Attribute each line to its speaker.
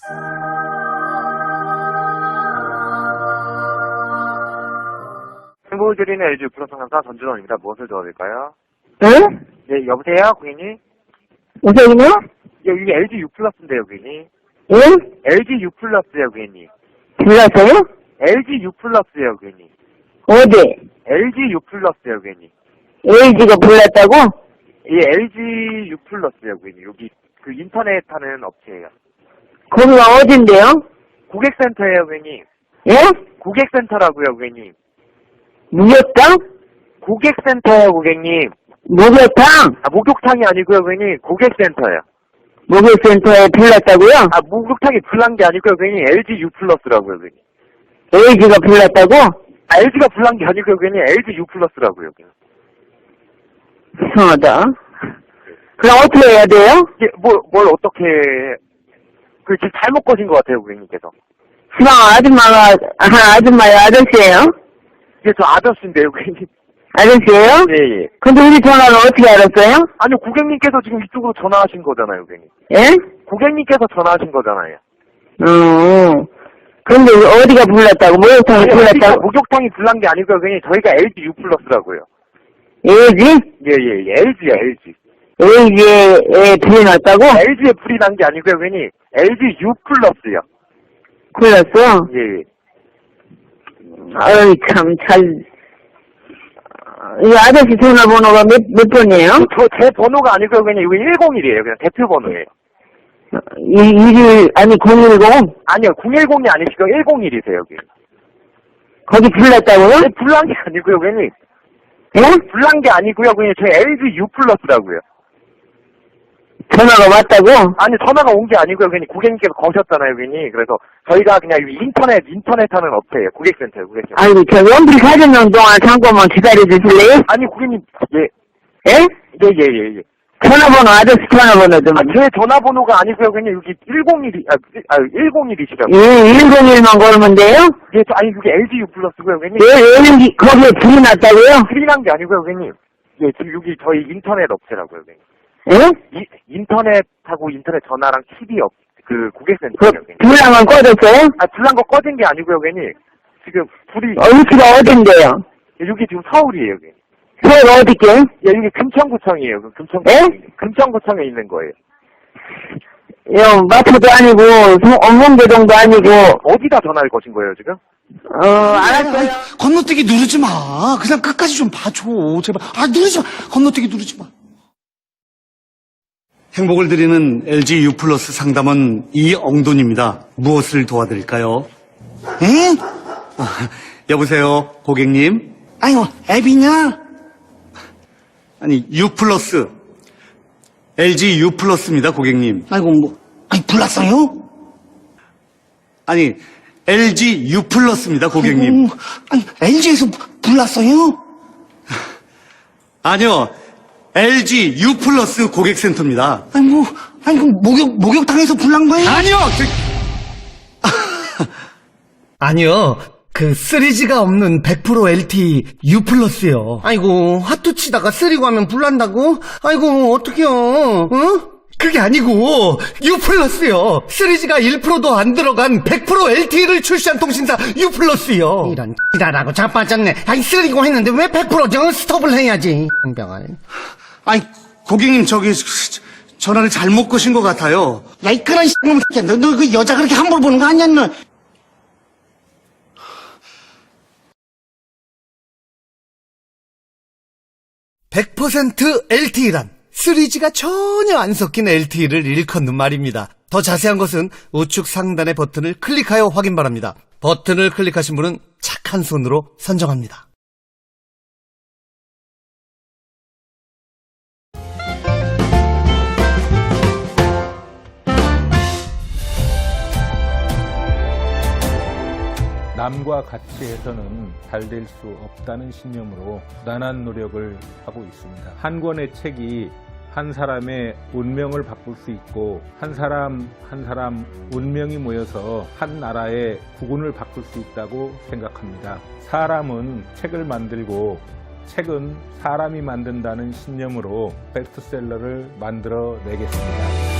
Speaker 1: 행복을 드리는 LG U 플러스 상담사 전준원입니다. 무엇을 도와드릴까요?
Speaker 2: 응?
Speaker 1: 네, 여보세요, 고객님?
Speaker 2: 우선이요?
Speaker 1: 예, 이게 LG U 플러스인데요, 고객님.
Speaker 2: 응?
Speaker 1: LG U 플러스요, 고객님.
Speaker 2: 불렀어요?
Speaker 1: LG U 플러스요, 고객님.
Speaker 2: 어디?
Speaker 1: LG U 플러스요, 고객님.
Speaker 2: LG가 불렀다고?
Speaker 1: 예, LG U 플러스요, 고객님. 여기 그 인터넷 하는 업체예요.
Speaker 2: 거기가 어딘데요?
Speaker 1: 고객센터예요, 고객님.
Speaker 2: 예?
Speaker 1: 고객센터라고요, 고객님.
Speaker 2: 목욕탕?
Speaker 1: 고객센터예요, 고객님.
Speaker 2: 목욕탕?
Speaker 1: 아, 목욕탕이 아니고요, 고객님. 고객센터예요.
Speaker 2: 목욕센터에 불렀다고요?
Speaker 1: 아, 목욕탕이 불난 게 아니고요, 고객님. LG U 플러스라고요, 고객님.
Speaker 2: LG가 불렀다고?
Speaker 1: 아, LG가 불난 게 아니고요, 고객님. LG U 플러스라고요, 고객님.
Speaker 2: 이상하다. 그럼 어떻게 해야 돼요?
Speaker 1: 이게 뭘 어떻게 지금 잘못 거신 것 같아요, 고객님께서.
Speaker 2: 시방 아줌마요? 아저씨예요?
Speaker 1: 이게 저 아저씨인데요, 고객님.
Speaker 2: 아저씨예요?
Speaker 1: 예.
Speaker 2: 근데 우리 전화를 어떻게 알았어요?
Speaker 1: 아니요, 고객님께서 지금 이쪽으로 전화하신 거잖아요, 고객님.
Speaker 2: 예?
Speaker 1: 고객님께서 전화하신 거잖아요.
Speaker 2: 근데 어디가 불렀다고? 목욕탕이 불렀다고?
Speaker 1: 목욕탕이 불난 게 아니고요, 고객님. 저희가 LG U 플러스라고요.
Speaker 2: LG?
Speaker 1: 예. LG야, LG.
Speaker 2: LG에 불이 났다고?
Speaker 1: LG에 불이 난 게 아니고요, 고객님. LG U 플러스요.
Speaker 2: 불렀어?
Speaker 1: 예.
Speaker 2: 아유, 이 아저씨 전화번호가 몇 번이에요?
Speaker 1: 제 번호가 아니고요, 고객님. 이거 101이에요. 그냥 대표 번호예요.
Speaker 2: 1일, 아니, 010?
Speaker 1: 아니요, 010이 아니시고 101이세요, 여기.
Speaker 2: 거기 불렀다고요?
Speaker 1: 네, 불난 게 아니고요, 고객님.
Speaker 2: 예?
Speaker 1: 불난 게 아니고요, 고객님. 저희 LG U 플러스라고요.
Speaker 2: 전화가 왔다고?
Speaker 1: 아니, 전화가 온 게 아니고요, 고객님. 고객님께서 거셨잖아요, 고객님. 그래서 저희가 그냥 인터넷 하는 업체예요. 고객센터예요, 고객센터.
Speaker 2: 아이고, 저 연필 40명 동안 잠깐만 기다려주실래요?
Speaker 1: 아니, 고객님, 예.
Speaker 2: 예?
Speaker 1: 예.
Speaker 2: 전화번호, 아저씨 전화번호 좀.
Speaker 1: 아, 제 전화번호가 아니고요, 고객님. 여기 101이시라고.
Speaker 2: 예, 101만 걸으면 돼요?
Speaker 1: 예, 아니, 여기 LG U 플러스고요, 고객님.
Speaker 2: 예, 거기에 불이 났다고요?
Speaker 1: 불이 난 게 아니고요, 고객님. 예, 지금 여기 저희 인터넷 업체라고요, 고객님.
Speaker 2: 예?
Speaker 1: 인터넷하고 인터넷 전화랑 TV 고객센터예요, 고객님.
Speaker 2: 불나면 꺼졌어요?
Speaker 1: 아, 불난 거 꺼진 게 아니고요, 고객님. 지금 불이.
Speaker 2: 위치가 어딘데요?
Speaker 1: 여기 지금 서울이에요, 고객님.
Speaker 2: 서울 어디게?
Speaker 1: 예, 여기 금천구청이에요. 금천구청에 있는 거예요.
Speaker 2: 마포도 아니고, 엄문교동도 아니고.
Speaker 1: 어디다 전화를 거신 거예요, 지금?
Speaker 2: 알았어요.
Speaker 3: 건너뛰기 누르지 마. 그냥 끝까지 좀 봐줘. 제발. 누르지 마. 건너뛰기 누르지 마. 행복을 드리는 LG U 플러스 상담원 이엉돈입니다. 무엇을 도와드릴까요? 응? 여보세요, 고객님? 아이고, 앱이냐? 아니, U 플러스. LG U 플러스입니다, 고객님. 아이고, 불났어요? 아니, LG U 플러스입니다, 고객님. 아니, LG에서 불났어요? 아니요, LG U 플러스 고객센터입니다. 목욕탕에서 불난 거예요? 아니요!
Speaker 4: 아니요. 3G가 없는 100% LTE U 플러스요. 아이고, 화투 치다가 쓰리고 하면 불난다고? 아이고, 어떡해요. 그게 아니고, U 플러스요. 3G가 1%도 안 들어간 100% LTE를 출시한 통신사 U 플러스요. 이런 X라고 자빠졌네. 쓰리고 했는데 왜 100%죠? 스톱을 해야지. 병을.
Speaker 3: 고객님, 전화를 잘못 거신 것 같아요. 야, 이 그런 새끼야. 너 그 여자 그렇게 함부로 보는 거 아니야, 너?
Speaker 4: (100% LTE란) 3G가 전혀 안 섞인 LTE를 일컫는 말입니다. 더 자세한 것은 우측 상단의 버튼을 클릭하여 확인 바랍니다. 버튼을 클릭하신 분은 착한 손으로 선정합니다.
Speaker 5: 남과 같이 해서는 잘 될 수 없다는 신념으로 부단한 노력을 하고 있습니다. 한 권의 책이 한 사람의 운명을 바꿀 수 있고 한 사람 한 사람 운명이 모여서 한 나라의 국운을 바꿀 수 있다고 생각합니다. 사람은 책을 만들고 책은 사람이 만든다는 신념으로 베스트셀러를 만들어 내겠습니다.